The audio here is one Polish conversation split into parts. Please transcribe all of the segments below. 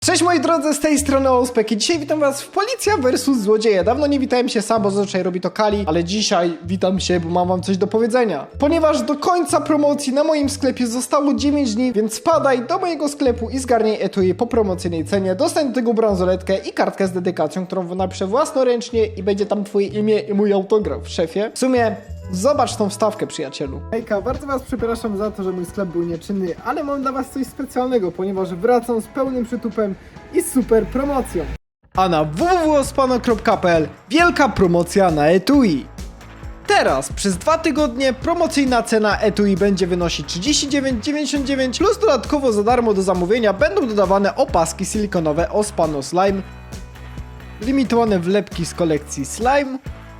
Cześć moi drodzy, z tej strony Ospek i dzisiaj witam was w Policja vs Złodzieje. Dawno nie witałem się sam, bo zazwyczaj robi to Kali, ale dzisiaj witam się, bo mam wam coś do powiedzenia. Ponieważ do końca promocji na moim sklepie zostało 9 dni, więc wpadaj do mojego sklepu i zgarnij etui po promocyjnej cenie. Dostań do tego bransoletkę i kartkę z dedykacją, którą napiszę własnoręcznie i będzie tam twoje imię i mój autograf, szefie. W sumie zobacz tą wstawkę, przyjacielu. Hejka, bardzo was przepraszam za to, że mój sklep był nieczynny, ale mam dla was coś specjalnego, ponieważ wracam z pełnym przytupem i z super promocją. A na www.ospano.pl wielka promocja na etui. Teraz przez 2 tygodnie promocyjna cena etui będzie wynosić 39,99 plus dodatkowo za darmo do zamówienia będą dodawane opaski silikonowe Ospano Slime, limitowane wlepki z kolekcji Slime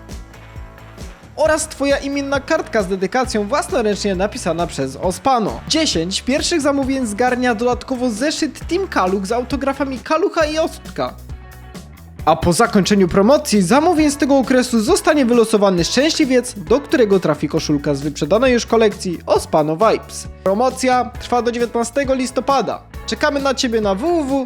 oraz twoja imienna kartka z dedykacją własnoręcznie napisana przez Ospano. 10 pierwszych zamówień zgarnia dodatkowo zeszyt Team Kaluch z autografami Kalucha i Ostka. A po zakończeniu promocji zamówień z tego okresu zostanie wylosowany szczęśliwiec, do którego trafi koszulka z wyprzedanej już kolekcji Ospano Vibes. Promocja trwa do 19 listopada. Czekamy na ciebie na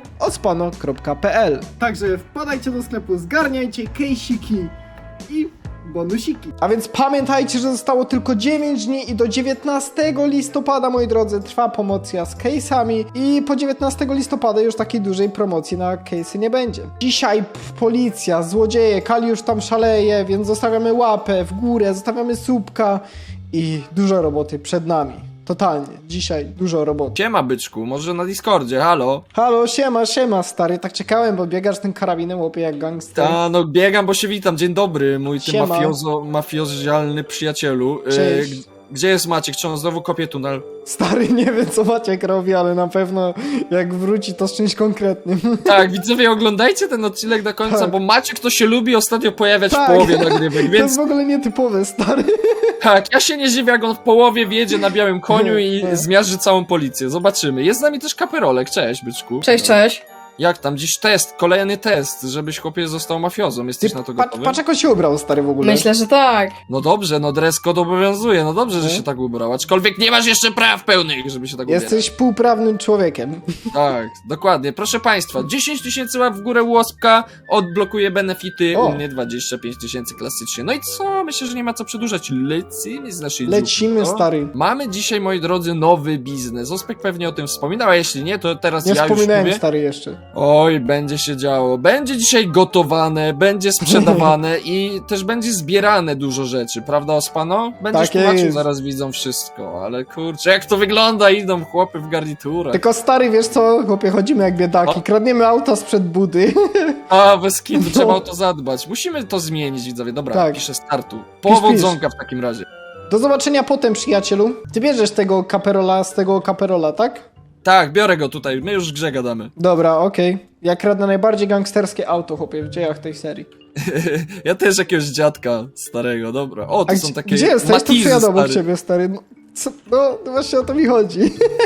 www.ospano.pl. Także wpadajcie do sklepu, zgarniajcie kejsiki i bonusiki. A więc pamiętajcie, że zostało tylko 9 dni i do 19 listopada, moi drodzy, trwa promocja z case'ami i po 19 listopada już takiej dużej promocji na case'y nie będzie. Dzisiaj policja, złodzieje, Kali już tam szaleje, więc zostawiamy łapę w górę, zostawiamy słupka i dużo roboty przed nami. Totalnie. Dzisiaj dużo roboty. Siema byczku, może na Discordzie, halo? Halo, siema stary, tak czekałem, bo biegasz tym karabinem, łopie jak gangster. Ta, no biegam, bo się witam, dzień dobry, mój ty Siema. mafiozjalny przyjacielu. Cześć. Gdzie jest Maciek? Czy on znowu kopie tunel? Stary, nie wiem co Maciek robi, ale na pewno jak wróci to z czymś konkretnym. Tak, widzowie, oglądajcie ten odcinek do końca, Tak. bo Maciek to się lubi ostatnio pojawiać Tak. w połowie nagrywek, To więc jest w ogóle nietypowe, stary. tak, ja się nie dziwię, jak on w połowie wjedzie na białym koniu i zmiażdży całą policję. Zobaczymy. Jest z nami też Kaperolek, cześć byczku. Cześć, cześć. Jak tam? Dziś test, kolejny test, żebyś chłopie został mafiozą. Jesteś na to gotowy? Patrz jak on się ubrał, stary, w ogóle. Myślę, że tak. No dobrze, no dress code obowiązuje, no dobrze, że się tak ubrał, aczkolwiek nie masz jeszcze praw pełnych, żeby się tak ubierać. Jesteś półprawnym człowiekiem. Tak, dokładnie. Proszę państwa, 10 000 łap w górę łospka, odblokuje benefity, O. u mnie 25 000 klasycznie. No i co? Myślę, że nie ma co przedłużać. Lecimy z naszej Lecimy, dziupli, no. stary. Mamy dzisiaj, moi drodzy, nowy biznes. Ospek pewnie o tym wspominał, a jeśli nie, to teraz Nie ja już wspominałem, mówię. stary, jeszcze. Oj, będzie się działo. Będzie dzisiaj gotowane, będzie sprzedawane i też będzie zbierane dużo rzeczy, prawda, Ospano? Będziesz Tak tłumaczył, jest. zaraz widzą wszystko, ale kurczę, jak to wygląda, idą chłopy w garniturach. Tylko stary, wiesz co, chłopie, chodzimy jak biedaki, O. kradniemy auta sprzed budy. A, bez kitu, No. trzeba o to zadbać. Musimy to zmienić, widzowie. Dobra, Tak. piszę startu. Powodzonka w takim razie. Do zobaczenia potem, przyjacielu. Ty bierzesz tego kaperola z tego kaperola, tak? Tak, biorę go tutaj, my już w grze gadamy. Dobra, okej. Ja kradnę najbardziej gangsterskie auto, chłopie, w dziejach tej serii. Ja też jakiegoś dziadka starego, dobra. O, to A są takie gdzie jesteś? To Matizy, przyjadę obok stary. ciebie, stary. No właśnie o to mi chodzi.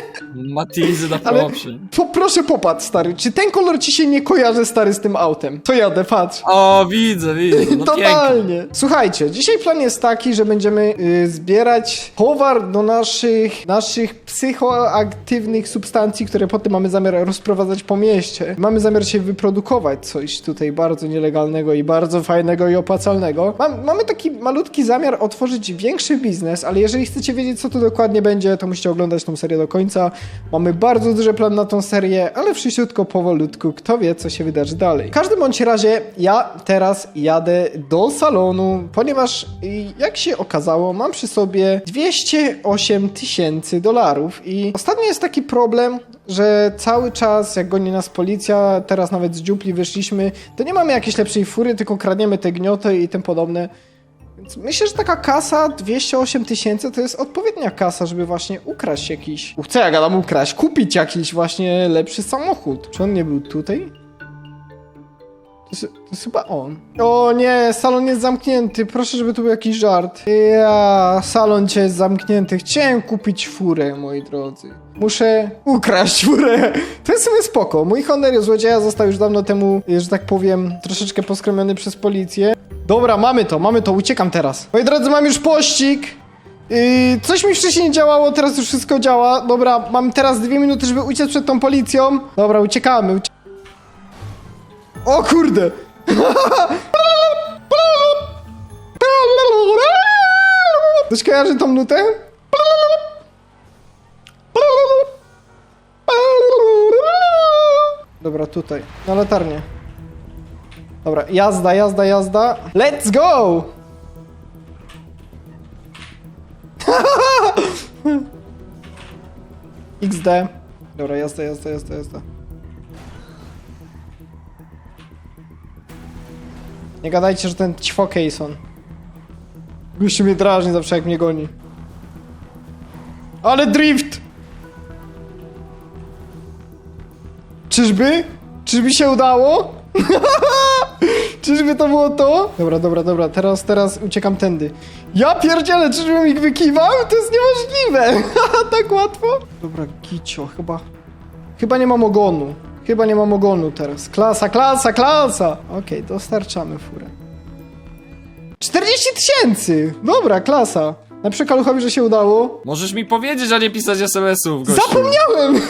Matizy na Ale propsie. proszę popatrz, stary, czy ten kolor ci się nie kojarzy, stary, z tym autem? To jadę, patrz. O, widzę, no Totalnie. pięknie. Słuchajcie, dzisiaj plan jest taki, że będziemy zbierać towar do naszych psychoaktywnych substancji, które potem mamy zamiar rozprowadzać po mieście. Mamy zamiar się wyprodukować coś tutaj bardzo nielegalnego i bardzo fajnego i opłacalnego. Mamy taki malutki zamiar otworzyć większy biznes, ale jeżeli chcecie wiedzieć, co to dokładnie będzie, to musicie oglądać tą serię do końca. Mamy bardzo duży plan na tą serię, ale wszyściutko, powolutku, kto wie, co się wydarzy dalej. W każdym bądź razie, ja teraz jadę do salonu, ponieważ jak się okazało, mam przy sobie 208 000 dolarów i ostatnio jest taki problem, że cały czas, jak goni nas policja, teraz nawet z dziupli wyszliśmy, to nie mamy jakiejś lepszej fury, tylko kradniemy te gnioty i tym podobne. Więc myślę, że taka kasa 208 000 to jest odpowiednia kasa, żeby właśnie ukraść jakiś... Co ja gadam ukraść? Kupić jakiś właśnie lepszy samochód. Czy on nie był tutaj? To jest chyba on. O nie, salon jest zamknięty. Proszę, żeby tu był jakiś żart. Salon cię jest zamknięty. Chciałem kupić furę, moi drodzy. Muszę ukraść furę. To jest sobie spoko. Mój honor złodzieja został już dawno temu, że tak powiem, troszeczkę poskromiony przez policję. Dobra, mamy to, uciekam teraz. Moi drodzy, mam już pościg. Coś mi wcześniej nie działało, teraz już wszystko działa. Dobra, mam teraz 2 minuty, żeby uciec przed tą policją. Dobra, uciekamy. O kurde! Ktoś kojarzy tą nutę? Dobra, tutaj. Na latarnię. Dobra, jazda, jazda, jazda. Let's go! XD. Dobra, jazda, jazda, jazda, jazda. Nie gadajcie, że ten ćwo Keyson. Gościu mnie drażni zawsze jak mnie goni. Ale drift! Czyżby? Czyżby się udało? Czyżby to było to? Dobra, dobra, dobra, teraz uciekam tędy. Ja pierdzielę, czyżbym ich wykiwał? To jest niemożliwe! Tak łatwo? Dobra, Gicio, chyba nie mam ogonu. Chyba nie mam ogonu teraz. Klasa, klasa, klasa! Okej, dostarczamy furę. 40 000! Dobra, klasa. Na przekaluchowi, że się udało. Możesz mi powiedzieć, a nie pisać SMS-ów, gościu. Zapomniałem!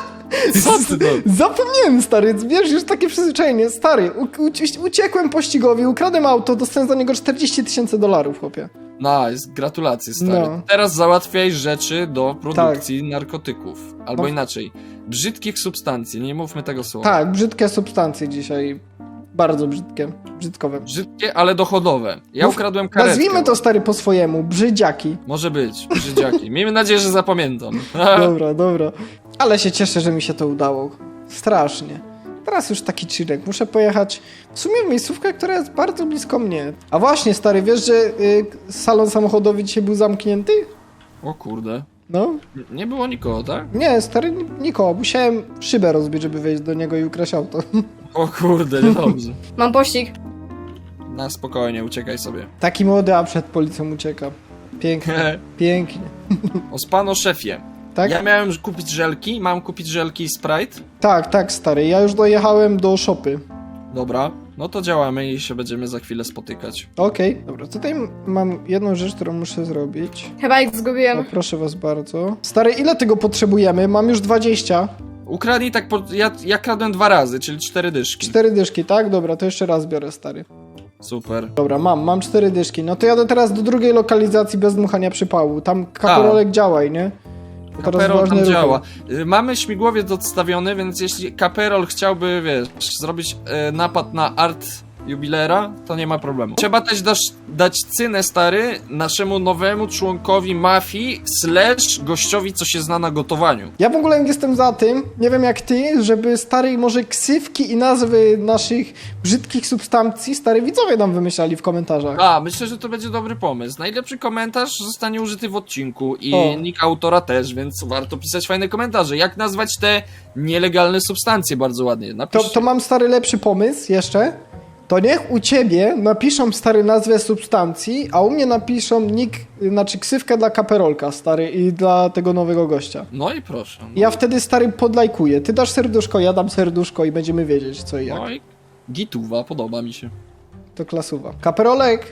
Co ty to? Zapomniałem, stary, wiesz, już takie przyzwyczajenie. Stary, uciekłem pościgowi, ukradłem auto, dostałem za niego 40 000 dolarów, chłopie. Nice, gratulacje, stary. No. Teraz załatwiaj rzeczy do produkcji narkotyków. Albo No. inaczej, brzydkich substancji, nie mówmy tego słowa. Tak, brzydkie substancje dzisiaj. Bardzo brzydkie, brzydkowe. Brzydkie, ale dochodowe. Ja No, ukradłem karetkę. Nazwijmy to, stary, po swojemu. Brzydziaki. Może być, brzydziaki. Miejmy nadzieję, że zapamiętam. Dobra, dobra. Ale się cieszę, że mi się to udało. Strasznie. Teraz już taki chillek. Muszę pojechać w sumie w miejscówkę, która jest bardzo blisko mnie. A właśnie, stary, wiesz, że salon samochodowy dzisiaj był zamknięty? O kurde. No. Nie było nikogo, tak? Nie, stary, nikogo. Musiałem szybę rozbić, żeby wejść do niego i ukraść auto. O kurde, niedobrze. Mam pościg. Na spokojnie, uciekaj sobie. Taki młody, a przed policją ucieka. Pięknie, pięknie. Ospano szefie. Tak? Ja miałem kupić żelki, mam kupić żelki i Sprite. Tak, stary. Ja już dojechałem do shopy. Dobra, no to działamy i się będziemy za chwilę spotykać. Okej. Dobra, tutaj mam jedną rzecz, którą muszę zrobić. Chyba ich zgubiłem. O, proszę was bardzo. Stary, ile tego potrzebujemy? Mam już 20. Ukradnij tak, ja kradłem 2 razy, czyli 4 dyszki. 4 dyszki, tak? Dobra, to jeszcze raz biorę, stary. Super. Dobra, mam 4 dyszki. No to jadę teraz do drugiej lokalizacji bez dmuchania przypału. Tam kaporolek działaj, nie? To teraz Kaperol ważne tam ruchy. działa. Mamy śmigłowiec odstawiony, więc jeśli Kaperol chciałby, wiesz, zrobić napad na art jubilera, to nie ma problemu. Trzeba też dać cynę, stary, naszemu nowemu członkowi mafii / gościowi, co się zna na gotowaniu. Ja w ogóle jestem za tym, nie wiem jak ty, żeby stary może ksywki i nazwy naszych brzydkich substancji stary widzowie nam wymyślali w komentarzach. A, myślę, że to będzie dobry pomysł. Najlepszy komentarz zostanie użyty w odcinku i O. nick autora też, więc warto pisać fajne komentarze. Jak nazwać te nielegalne substancje bardzo ładnie? Napisz... To mam stary lepszy pomysł jeszcze. To niech u ciebie napiszą stary nazwę substancji, a u mnie napiszą nick, znaczy ksywkę dla kaperolka stary i dla tego nowego gościa. No i proszę. No. Ja wtedy stary podlajkuję. Ty dasz serduszko, ja dam serduszko i będziemy wiedzieć co i jak. No i gituwa, podoba mi się. To klasuwa. Kaperolek,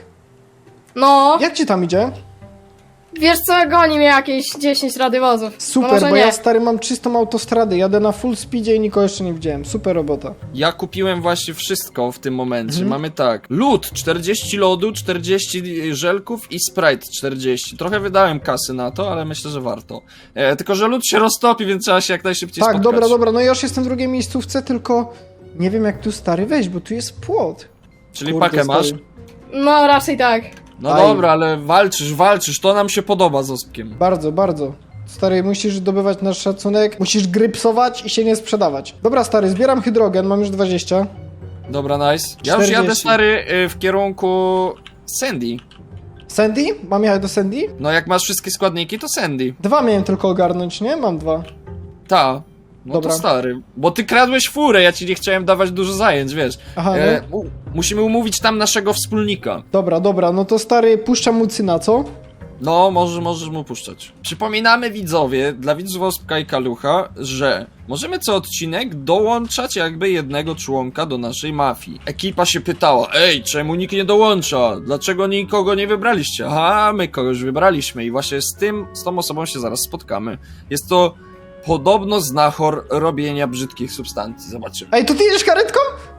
No, jak ci tam idzie? wiesz co, goni mnie jakieś 10 radywozów. No Super, może bo nie. ja stary mam czystą autostradę, jadę na full speedzie i nikogo jeszcze nie widziałem. Super robota. Ja kupiłem właśnie wszystko w tym momencie. Mhm. Mamy tak. Lód 40 lodu, 40 żelków i Sprite 40. Trochę wydałem kasy na to, ale myślę, że warto. Tylko, że lód się roztopi, więc trzeba się jak najszybciej Tak, spotkać. dobra, no ja już jestem w drugiej miejscówce, tylko nie wiem jak tu stary wejść, bo tu jest płot. Czyli Kurde, pakę masz? stary. No, raczej tak. No Aj. dobra, ale walczysz, to nam się podoba z Ospkiem. Bardzo, bardzo. Stary, musisz zdobywać nasz szacunek, musisz grypsować i się nie sprzedawać. Dobra, stary, zbieram hydrogen, mam już 20. Dobra, nice. Ja już 40. jadę, stary, w kierunku Sandy. Sandy? Mam jechać do Sandy? No jak masz wszystkie składniki, to Sandy. 2 miałem tylko ogarnąć, nie? Mam 2. Ta. No Dobra. to stary. Bo ty kradłeś furę, ja ci nie chciałem dawać dużo zajęć, wiesz. Aha, no. Musimy umówić tam naszego wspólnika. Dobra, no to stary, puszczam mu cyna, co? No, możesz mu puszczać. Przypominamy widzowie, dla widzów Ospka i Kalucha, że możemy co odcinek dołączać jakby jednego członka do naszej mafii. Ekipa się pytała, ej, czemu nikt nie dołącza? Dlaczego nikogo nie wybraliście? Aha, my kogoś wybraliśmy i właśnie z tą osobą się zaraz spotkamy. Jest to podobno znachor robienia brzydkich substancji, zobaczymy. Ej, to ty jedziesz karetką?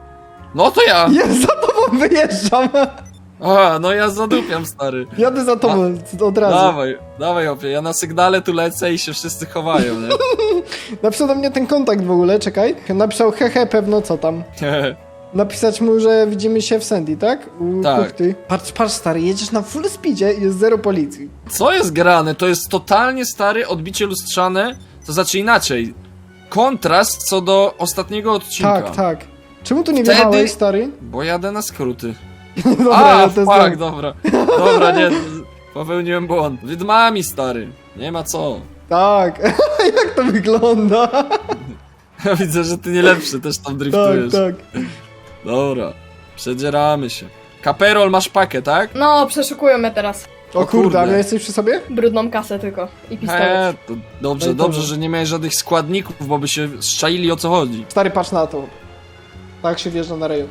No to ja! Ja za tobą wyjeżdżam. A, no ja zadupiam, stary. Jadę za tobą od razu. Dawaj, opie, ja na sygnale tu lecę i się wszyscy chowają, nie? Napisał do mnie ten kontakt w ogóle, czekaj. Napisał hehe, pewno co tam. Napisać mu, że widzimy się w Sandy, tak? U Tak. kuchty. Patrz stary, jedziesz na full speedzie i jest zero policji. Co jest grane? To jest totalnie, stary, odbicie lustrzane, to znaczy inaczej. Kontrast co do ostatniego odcinka. Tak. Czemu tu nie Wtedy- wjechałeś, stary? Bo jadę na skróty. Dobra, A, ja to fuck, znam. dobra. Dobra, nie, popełniłem błąd. Widmami, stary. Nie ma co. Tak, jak to wygląda? Widzę, że ty nie lepszy, też tam driftujesz. Tak. Dobra, przedzieramy się. Kaperol, masz pakę, tak? No, przeszukują mnie teraz. O O kurde, a kurde. jesteś przy sobie? Brudną kasę tylko. I pistolet. To No i dobrze, to- że nie miałeś żadnych składników, bo by się szczaili o co chodzi. Stary, patrz na to. Tak się wjeżdża na rejon.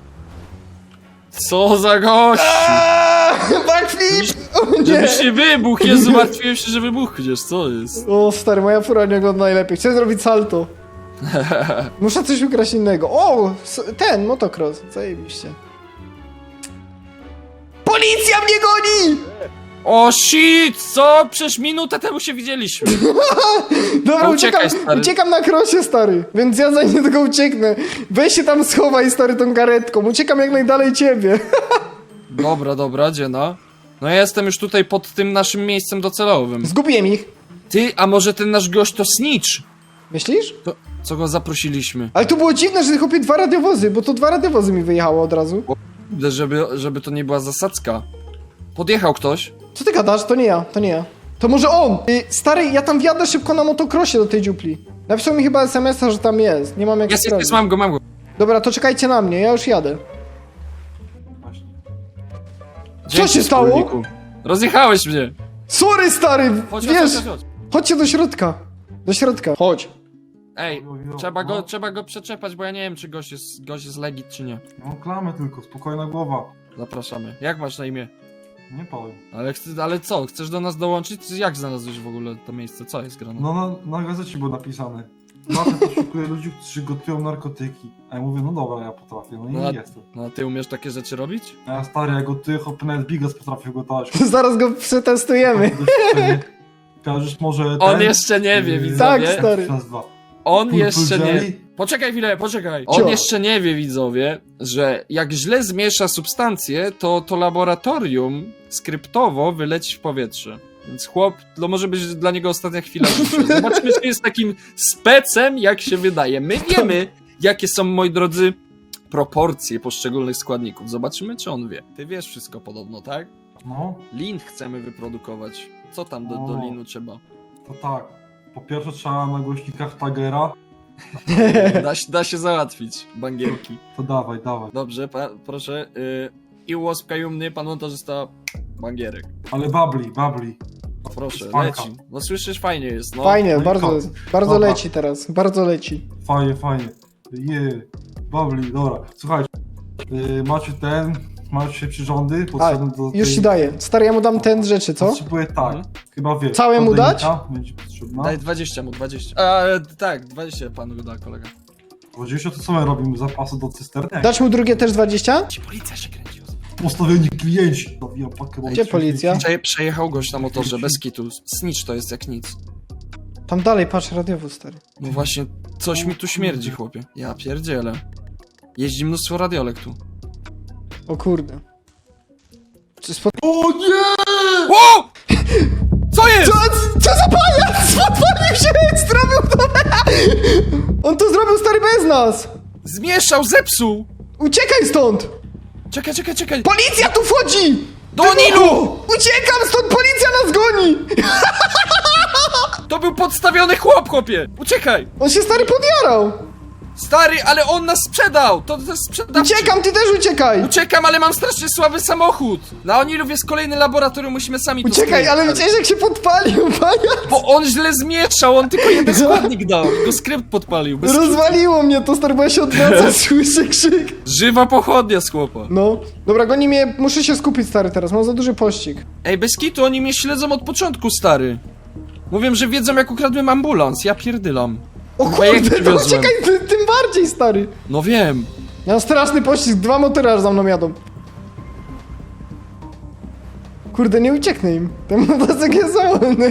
Co za gość! Backflip! O nie! Żebyś nie wybuchł, Jezu, martwiłem się, że wybuchniesz, co jest? O stary, moja fura nie ogląda najlepiej. Chcę zrobić salto. Muszę coś ukraść innego. O! Ten, motocross. Zajebiście. Policja mnie goni! O shit, co? Przecież minutę temu się widzieliśmy. Dobra, No uciekaj, stary. uciekam na krosie, stary. Więc ja za nie tylko ucieknę. Weź się tam schowaj, stary, tą karetką. Uciekam jak najdalej ciebie. Dobra, dziena. No ja jestem już tutaj pod tym naszym miejscem docelowym. Zgubiłem ich. Ty, a może ten nasz gość to Snitch? Myślisz? To, co go zaprosiliśmy? Ale to było dziwne, że chłopie 2 radiowozy, bo to 2 radiowozy mi wyjechało od razu. Żeby to nie była zasadzka. Podjechał ktoś? Co ty gadasz? To nie ja. To może on! Stary, ja tam wjadę szybko na motocrossie do tej dziupli. Napisał mi chyba SMS-a, że tam jest. Nie mam jak Jest, sprawdzić. mam go. Dobra, to czekajcie na mnie, ja już jadę. Dzięki, się stało? wspólniku. Rozjechałeś mnie. Sorry, stary! Chodź. Wiesz, chodźcie do środka. Do środka. Chodź. Ej, trzeba go przeczepać, bo ja nie wiem, czy gość jest legit, czy nie. No klamę tylko, spokojna głowa. Zapraszamy. Jak masz na imię? Nie powiem. Ale co? Chcesz do nas dołączyć? Jak znalazłeś w ogóle to miejsce? Co jest grane? No na gazecie było napisane. Zawsze poszukuję ludzi, którzy gotują narkotyki. A ja mówię, no dobra, ja potrafię, no i No, jestem. No a ty umiesz takie rzeczy robić? A ja stary, ja gotuję, hopy nawet bigos potrafię gotować. Zaraz go przetestujemy. Kojarzysz może On ten? jeszcze nie wie, Yy, widzowie. Tak, jak to stary. się nazywa? On Purple jeszcze nie... jelly? Poczekaj chwilę. Cio. On jeszcze nie wie, widzowie, że jak źle zmiesza substancje, to laboratorium skryptowo wyleci w powietrze. Więc chłop, to może być dla niego ostatnia chwila życia. Zobaczmy, czy jest takim specem, jak się wydaje. My wiemy, jakie są, moi drodzy, proporcje poszczególnych składników. Zobaczymy, czy on wie. Ty wiesz wszystko podobno, tak? No, Lin chcemy wyprodukować. Co tam do O. linu trzeba? to tak. Po pierwsze trzeba na głośnikach Tagera. Da się załatwić, bangierki. To dawaj. Dobrze, proszę. I łosk kajumny, pan montażysta bangierek. Ale babli. Proszę, Spanka. leci. No słyszysz, fajnie jest, no. Fajnie, no i bardzo Dobra. leci teraz. Bardzo leci. Fajnie. Babli, dobra. Słuchajcie, macie się przyrządy, A, potrzebne do już ci daję. Stary, ja mu dam ten z rzeczy, co? Potrzebuję tak, Mhm. chyba wiesz. Całe mu dać? podajnika Będzie potrzebna. Daj 20 mu, 20. Tak, 20 panu go da, kolega. 20 to co my robimy? Zapasy do cysterny? Dać mu drugie też 20? Ci policja się kręci. Postawieni klienci. Zawijam pakę, bo Gdzie policja? Przejechał gość na motorze, bez kitu. Snitch to jest jak nic. Tam dalej, patrz, radiowóz, stary. No właśnie, coś mi tu śmierdzi, chłopie. Ja pierdzielę. Jeździ mnóstwo radiolek tu. O kurde. Czy O nie! Wow! Co jest? Co za pajac? Podpalił się! Zrobił to! On to zrobił, stary, bez nas! Zmieszał, zepsuł! Uciekaj stąd! Czekaj! Policja tu wchodzi! Do Nilu! Uciekam stąd, policja nas goni! To był podstawiony chłop, chłopie! Uciekaj! On się, stary, podjarał! Stary, ale on nas sprzedał! To jest sprzedawczy! Uciekam, ty też uciekaj! Uciekam, ale mam strasznie słaby samochód! Na Onilów jest kolejny laboratorium, musimy sami to Uciekaj, skryć, ale stary. widziałeś, jak się podpalił, pajac? Bo on źle zmieszał, on tylko jeden składnik dał. Go skrypt podpalił. Bez Rozwaliło mnie to, stary, bo ja się odwracam, słyszę krzyk. Żywa pochodnia z chłopa. No. Dobra, goni mnie, muszę się skupić, stary, teraz, mam za duży pościg. Ej, bez kitu, oni mnie śledzą od początku, stary. Mówią, że wiedzą, jak ukradłem ambulans. Ja pierdylam. O Chyba jak kurde, to przywiozłem. uciekaj, tym bardziej, stary. No wiem. Ja mam straszny pościsk, 2 motory aż za mną jadą. Kurde, nie ucieknę im. Ten motocykl jest wolny.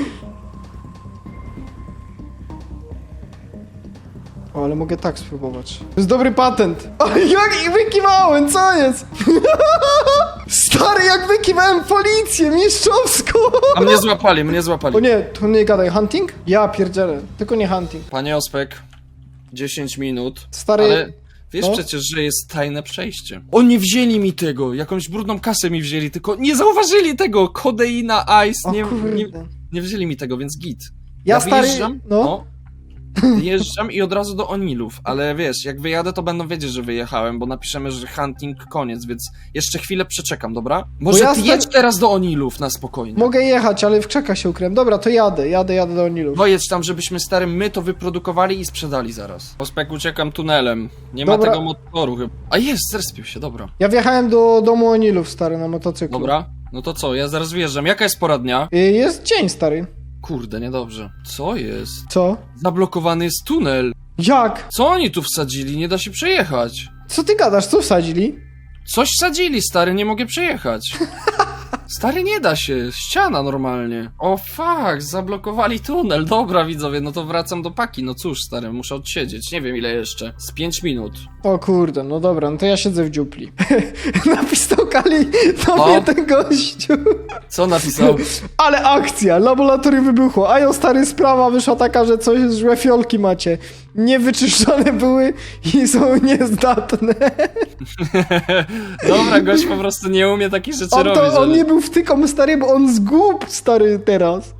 O, ale mogę tak spróbować. To jest dobry patent. O, jak ich wykiwałem, co jest? Stary, jak wykiwałem policję mistrzowską. A mnie złapali, mnie złapali. O nie, to nie gadaj. Hunting? Ja pierdzielę. Tylko nie hunting. Panie Ospek, 10 minut. Stary... Ale wiesz no. przecież, że jest tajne przejście. Oni wzięli mi tego, jakąś brudną kasę mi wzięli, tylko nie zauważyli tego. Kodeina, ice, O nie, kurde. nie wzięli mi tego, więc git. Ja stary... wyjeżdżam, No. wyjeżdżam i od razu do Onilów, ale wiesz, jak wyjadę, to będą wiedzieć, że wyjechałem, bo napiszemy, że hunting koniec, więc jeszcze chwilę przeczekam, dobra? Może ja ty jedź teraz do Onilów na spokojnie. Mogę jechać, ale w krzakach się ukryłem. Dobra, to jadę do Onilów. Pojedź tam, żebyśmy starym my to wyprodukowali i sprzedali zaraz. Ospek, uciekam tunelem. Nie ma Dobra. tego motoru chyba. A jest, zrespił się, dobra. Ja wjechałem do domu Onilów, stary, na motocyklu. Dobra, no to co, ja zaraz wjeżdżam. Jaka jest pora dnia? Jest dzień, stary. Kurde, niedobrze. Co jest? Co? Zablokowany jest tunel. Jak? Co oni tu wsadzili? Nie da się przejechać. Co ty gadasz? Co wsadzili? Coś wsadzili, stary, nie mogę przejechać. Stary, nie da się. Ściana normalnie. O fuck, zablokowali tunel. Dobra, widzowie, no to wracam do paki. No cóż, stary, muszę odsiedzieć. Nie wiem ile jeszcze. Z 5 minut. O kurde, no dobra, no to ja siedzę w dziupli. Napisał Kali do O. mnie ten gościu. Co napisał? Ale akcja, laboratorium wybuchło. A jo, stary, sprawa wyszła taka, że coś złe fiolki macie. Niewyczyszczone były i są niezdatne. Dobra, gość po prostu nie umie takich rzeczy robić. On ale- nie był wtyką, stary, bo on zgub, stary, teraz.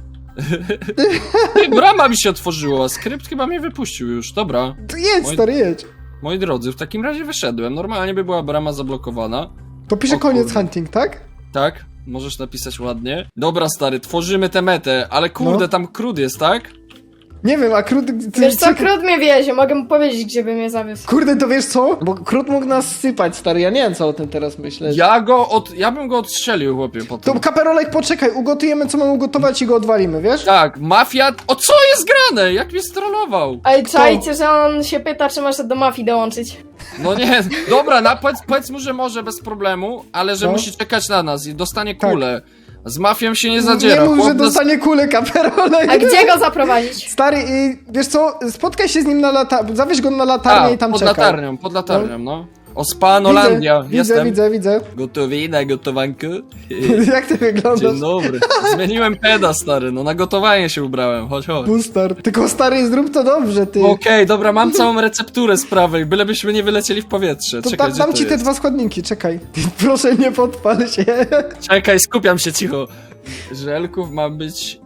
Ej, brama mi się otworzyła, skrypt chyba mnie wypuścił już, dobra. To jedź, stary, jedź. Moi drodzy, w takim razie wyszedłem. Normalnie by była brama zablokowana. To pisze O koniec kurde. hunting, tak? Tak? Możesz napisać ładnie. Dobra, stary, tworzymy tę metę, ale kurde, No. tam krud jest, tak? Nie wiem, a Krut... Wiesz co, Krut mnie wiezie, mogę mu powiedzieć, gdzie by mnie zawiózł. Kurde, to wiesz co? Bo Krut mógł nas sypać, stary, ja nie wiem, co o tym teraz myśleć. Ja bym go odstrzelił, chłopie, potem. To kaperolek, poczekaj, ugotujemy, co mamy ugotować i go odwalimy, wiesz? Tak, mafia... O, co jest grane? Jak mnie strollował? Ale czajcie, że on się pyta, czy może do mafii dołączyć. No nie, dobra, powiedz mu, że może bez problemu, ale że No. musi czekać na nas i dostanie Tak. kulę. Z mafią się nie zadziera. Nie mów, że chłop nas- dostanie kulę, kaperolek. A gdzie go zaprowadzić? Stary, wiesz co, spotkaj się z nim na zawieź go na latarnię i tam pod czekaj. pod latarnią, no. Ospanolandia, jestem. Widzę. Gotowi na gotowankę? Jak ty wyglądasz? Dzień dobry. Zmieniłem peda, stary, no na gotowanie się ubrałem, chodź. Pustar. Tylko stary, zrób to dobrze, ty. Okej, dobra, mam całą recepturę z prawej, bylebyśmy nie wylecieli w powietrze. To Czekaj, dam gdzie ci to te jest? 2 składniki, czekaj. Proszę, nie podpal się. Czekaj, skupiam się, cicho. Żelków ma być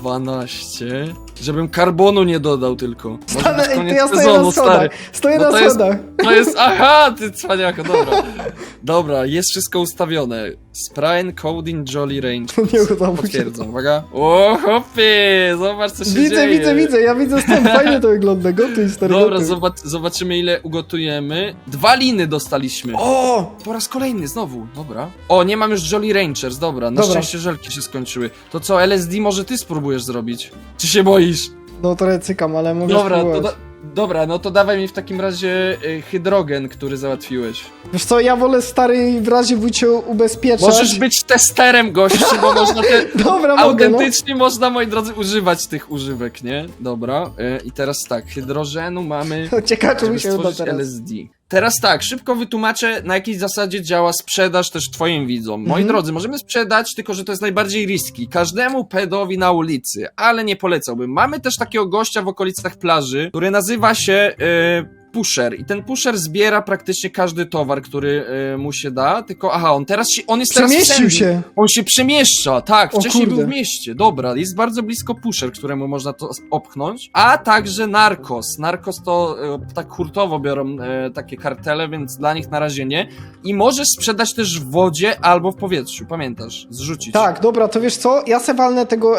12. Żebym karbonu nie dodał tylko. Może Stanę, być ej, to koniec ja stoję sezonu, na stary. schodach. Stoję No na to jest- schodach. To jest, aha, ty cwaniako, dobra. Dobra, jest wszystko ustawione. Sprine, Coding, Jolly Range. Nie udało się. Potwierdzam, uwaga. O, hopie, zobacz co się dzieje. Widzę, ja widzę stąd, fajnie to wygląda, gotuj, stary, Dobra, gotuj. zobaczymy ile ugotujemy. 2 liny dostaliśmy. O! Po raz kolejny, znowu, dobra. O, nie mam już Jolly Rangers, dobra, na Dobra. szczęście żelki się skończyły. To co, LSD może ty spróbujesz zrobić? Czy się boisz? No trochę cykam, ale mogę Dobra, spróbować. dobra, no to dawaj mi w takim razie hydrogen, który załatwiłeś. Wiesz co, ja wolę stary w razie cię ubezpieczać. Możesz być testerem, gościu, bo można Dobra, mogę, no. autentycznie można, moi drodzy, używać tych używek, nie? Dobra, i teraz tak, hydrogenu mamy... Ciekawe, czy Żeby mi się uda stworzyć teraz. LSD. Teraz tak, szybko wytłumaczę, na jakiej zasadzie działa sprzedaż też twoim widzom. Moi Mhm. drodzy, możemy sprzedać, tylko że to jest najbardziej riski. Każdemu pedowi na ulicy, ale nie polecałbym. Mamy też takiego gościa w okolicach plaży, który nazywa się pusher. I ten pusher zbiera praktycznie każdy towar, który mu się da, tylko aha, on jest teraz w Przemieścił Sandy. się. On się przemieszcza, tak, O wcześniej kurde. był w mieście, dobra, jest bardzo blisko pusher, któremu można to opchnąć, a także narkos. Narkos to tak hurtowo biorą takie kartele, więc dla nich na razie nie. I możesz sprzedać też w wodzie albo w powietrzu, pamiętasz? Zrzucić. Tak, dobra, to wiesz co? Ja se walnę tego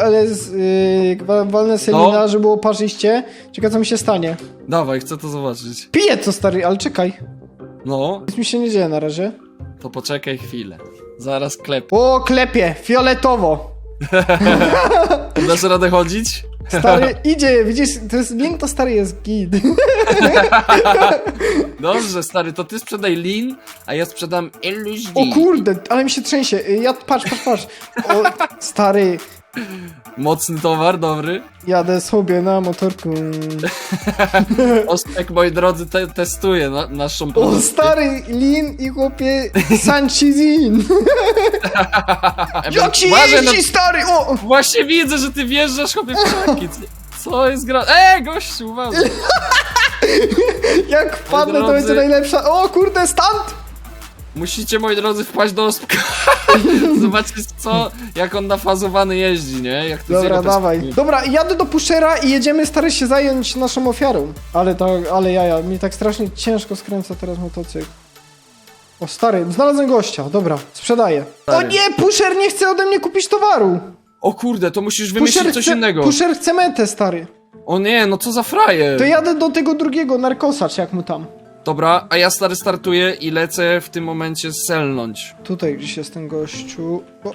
walnę selina, No. żeby było parzyście. Ciekawe, co mi się stanie. Dawaj, chcę to zobaczyć. Piję to, stary, ale czekaj. No, Nic mi się nie dzieje na razie. to poczekaj chwilę. Zaraz klep. O, klepie, fioletowo. Dasz radę chodzić? Stary idzie, widzisz, to jest link, to stary jest git. Dobrze, stary, to ty sprzedaj Lean, a ja sprzedam LSD. O kurde, ale mi się trzęsie. Patrz. O, stary, Mocny towar, dobry. jadę sobie na motorku. Ospek, moi drodzy, testuje naszą O, produkcję. stary, Lin i chłopie Sanchizin. Jak się Uważaj, jeździ, stary, o! Właśnie widzę, że ty wjeżdżasz, chłopie, w krzaki. Co jest gra... gościu, uważaj. Jak wpadnę, to drodzy. będzie najlepsza. O kurde, stand! Musicie, moi drodzy, wpaść do Ospka. Zobaczcie, jak on nafazowany jeździ, nie? Jak to z Dobra, jego dawaj. perspektywy. Dobra, jadę do pushera i jedziemy, stary, się zająć naszą ofiarą. Ale jaja, mi tak strasznie ciężko skręca teraz motocykl. O, stary, znalazłem gościa, dobra, sprzedaję. Stary. O nie, pusher nie chce ode mnie kupić towaru. O kurde, to musisz wymyślić coś innego. Pusher chce metę, stary. O nie, no co za frajer. To jadę do tego drugiego, narkosacz, jak mu tam. Dobra, a ja, stary, startuję i lecę w tym momencie selnąć. Tutaj gdzieś jest ten gościu. O.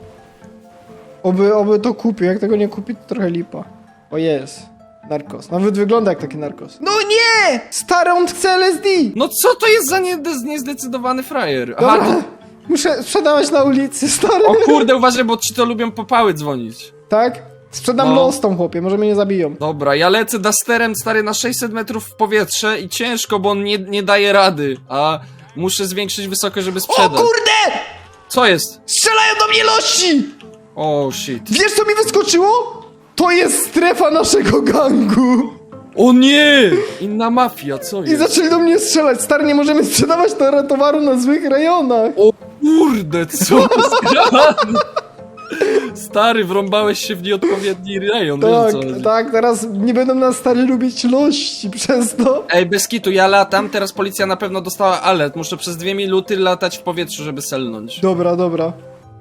Oby to kupił, jak tego nie kupi, to trochę lipa. O, jest. Narkos. Nawet wygląda jak taki narkos. No nie! Stary, on chce LSD! No co to jest za niezdecydowany frajer? Dobra, Aha, muszę sprzedawać na ulicy, stary. o kurde, uważaj, bo ci to lubią popały dzwonić. Tak? Sprzedam No. lostom, chłopie, może mnie nie zabiją. Dobra, ja lecę Dusterem, stary, na 600 metrów w powietrze i ciężko, bo on nie daje rady, a muszę zwiększyć wysokość, żeby O sprzedać. kurde! Co jest? Strzelają do mnie lości! O, shit. Wiesz, co mi wyskoczyło? To jest strefa naszego gangu! O nie! Inna mafia, co I jest? zaczęli do mnie strzelać. Stary, nie możemy sprzedawać towaru na złych rejonach. O kurde, co jest grane? Stary, wrąbałeś się w nieodpowiedni rejon, wiesz Tak, co chodzi? tak, teraz nie będą nas stary lubić lości przez to. Ej, bez kitu, ja latam, teraz policja na pewno dostała alert, muszę przez 2 minuty latać w powietrzu, żeby selnąć. Dobra.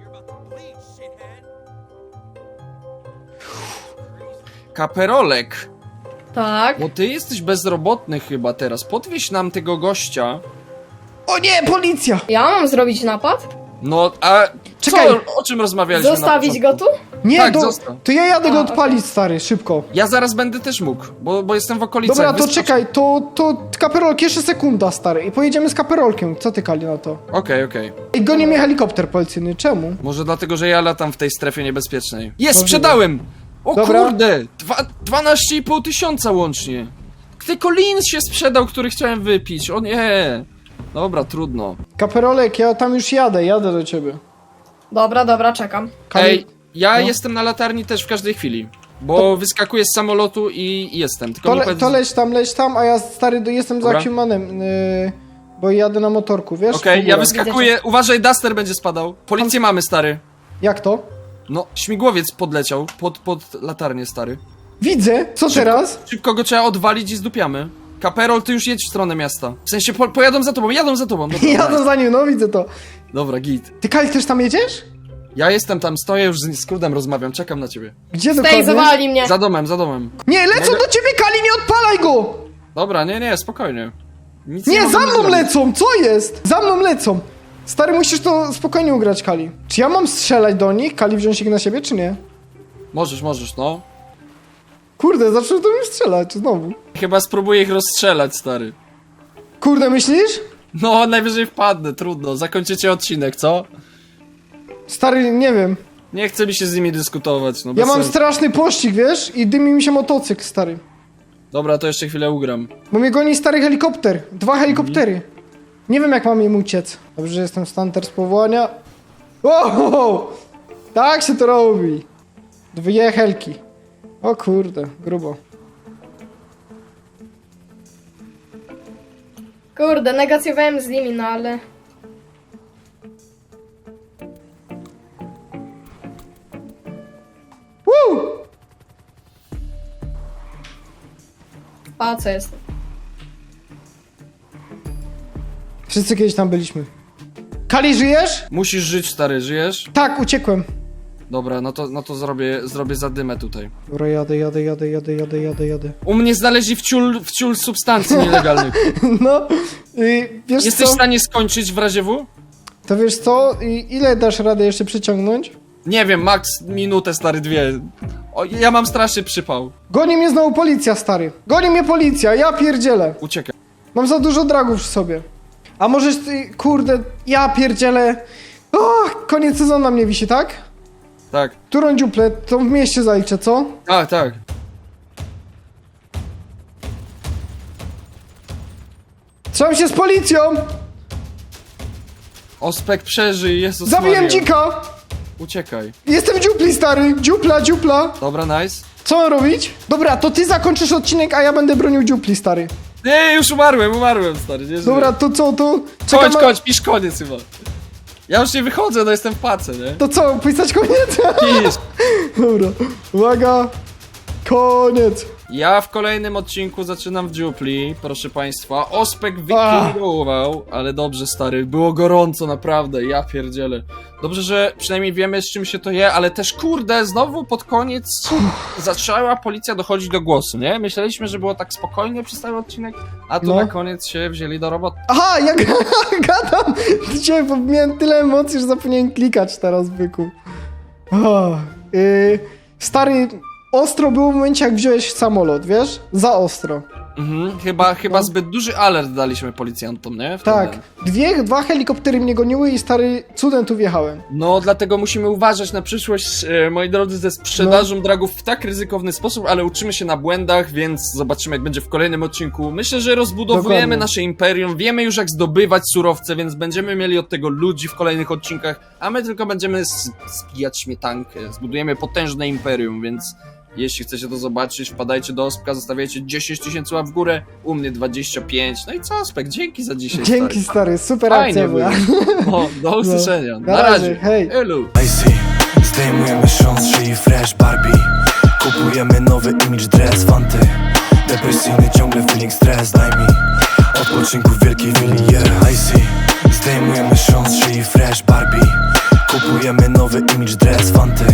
Kaperolek, Tak. bo ty jesteś bezrobotny chyba teraz, podwieź nam tego gościa. O nie, policja! Ja mam zrobić napad? No, a Czekaj. o czym rozmawialiśmy na Zostawić początku? go tu? Nie, Tak, zostaw. to ja jadę go A, odpalić, stary, szybko. Ja zaraz będę też mógł, bo jestem w okolicach. Dobra, to wyskocz- czekaj, to kaperolk, jeszcze sekunda, stary, i pojedziemy z kaperolkiem. Co ty, Kali, na to? Okej. I goni mnie helikopter policyjny, czemu? Może dlatego, że ja latam w tej strefie niebezpiecznej. Jest, Możliwe. sprzedałem! O Dobra. kurde! 12,5 tysiąca łącznie. Tylko Lin się sprzedał, który chciałem wypić. O nie! Dobra, trudno. Kaperolek, ja tam już jadę do ciebie. Dobra, czekam. Kali- Ej, ja no. jestem na latarni też w każdej chwili. Bo wyskakuję z samolotu i jestem. Tylko mi powiedz... To leć tam, a ja, stary, jestem Dobra. za Humanem, bo jadę na motorku, wiesz? Okej, W ja górę. wyskakuję. Uważaj, Duster będzie spadał. Policję mamy, stary. Jak to? No, śmigłowiec podleciał pod latarnię, stary. Widzę, co teraz? Szybko go trzeba odwalić i zdupiamy. Kaperol, ty już jedź w stronę miasta. W sensie, pojadą za tobą, jadą za tobą. Dobra, Jadę za nim, no widzę to. Dobra, git. Ty, Kali, też tam jedziesz? Ja jestem tam, stoję już z Krudem rozmawiam, czekam na ciebie. Gdzie Stej, dokładnie? zawali mnie. Za domem. Nie, lecą Mogę- do ciebie, Kali, nie odpalaj go! Dobra, nie, spokojnie. Nic Nie, możemy za mną zrobić. lecą, co jest? Za mną lecą. Stary, musisz to spokojnie ugrać, Kali. Czy ja mam strzelać do nich, Kali, wziąć ich na siebie, czy nie? Możesz, no. Kurde, zaczął do mnie strzelać, znowu. Chyba spróbuję ich rozstrzelać, stary. Kurde, myślisz? No, najwyżej wpadnę, trudno. Zakończycie odcinek, co? Stary, nie wiem. Nie chce mi się z nimi dyskutować, no Ja bez mam sensu. straszny pościg, wiesz? I dymi mi się motocykl, stary. Dobra, to jeszcze chwilę ugram. Bo mnie goni stary helikopter. 2 helikoptery. Nie wiem, jak mam im uciec. Dobrze, że jestem stunter z powołania. Wow! Tak się to robi. 2 helki. O kurde, grubo. Kurde, negacjowałem z nimi, no ale... Woo! A, co jest? Wszyscy kiedyś tam byliśmy. Kali, żyjesz? Musisz żyć, stary, żyjesz? Tak, uciekłem. Dobra, no to zrobię zadymę tutaj. Dobra, jadę. U mnie znaleźli wciul substancji nielegalnych. No, wiesz Jesteś co? w stanie skończyć w razie W? To wiesz co? Ile dasz radę jeszcze przyciągnąć? Nie wiem, max minutę, stary, 2. O, ja mam straszny przypał. Goni mnie znowu policja, stary. Goni mnie policja, ja pierdzielę. Uciekaj. Mam za dużo dragów w sobie. A możesz ty, kurde, ja pierdzielę. O, koniec sezonu na mnie wisi, tak? Tak. Którą dziuplę? To w mieście zaliczę, co? Tak, tak. Trzymam się z policją! Ospek przeżyj, Jezus Zabiłem Maria. dzika! Uciekaj. Jestem w dziupli, stary! Dziupla, dziupla! Dobra, nice. Co mam robić? Dobra, to ty zakończysz odcinek, a ja będę bronił dziupli, stary. Nie, już umarłem, stary. Nie Dobra, żyję. to co, to... Kończ, pisz koniec chyba. Ja już nie wychodzę, no jestem w pace, nie? To co, pisać koniec? Pisz. Dobra, uwaga. Koniec. Ja w kolejnym odcinku zaczynam w dziupli, proszę państwa. Ospek wykierował, ale dobrze, stary, było gorąco, naprawdę, ja pierdzielę. Dobrze, że przynajmniej wiemy, z czym się to je, ale też, kurde, znowu pod koniec zaczęła policja dochodzić do głosu, nie? Myśleliśmy, że było tak spokojnie przez cały odcinek, a tu No. na koniec się wzięli do roboty. Aha, ja gadam dzisiaj, bo miałem tyle emocji, że zapomniałem klikać teraz, byku. Stary, ostro było w momencie, jak wziąłeś samolot, wiesz? Za ostro. Mhm, chyba zbyt duży alert daliśmy policjantom, nie? Wtedy. Tak. Dwa helikoptery mnie goniły i stary, cudem tu wjechałem. No, dlatego musimy uważać na przyszłość, moi drodzy, ze sprzedażą dragów w tak ryzykowny sposób, ale uczymy się na błędach, więc zobaczymy, jak będzie w kolejnym odcinku. Myślę, że rozbudowujemy Dokładnie. nasze imperium, wiemy już, jak zdobywać surowce, więc będziemy mieli od tego ludzi w kolejnych odcinkach, a my tylko będziemy zbijać śmietankę. Zbudujemy potężne imperium, więc jeśli chcecie to zobaczyć, wpadajcie do Ospka, zostawiajcie 10 000 łap w górę, u mnie 25. No i co, Ospek, dzięki za dzisiaj, Dzięki, stary, super Fajnie akcja była. było. Do usłyszenia. Na razie, hej. Elu. Icy, zdejmujemy sząs, czyli fresh Barbie. Kupujemy nowy image dress, fanty. Depresyjny ciągle feeling stres, daj mi odpoczynku w wielkiej willi, yeah. Icy, zdejmujemy sząs, czyli fresh Barbie. Kupujemy nowy image dress, fanty.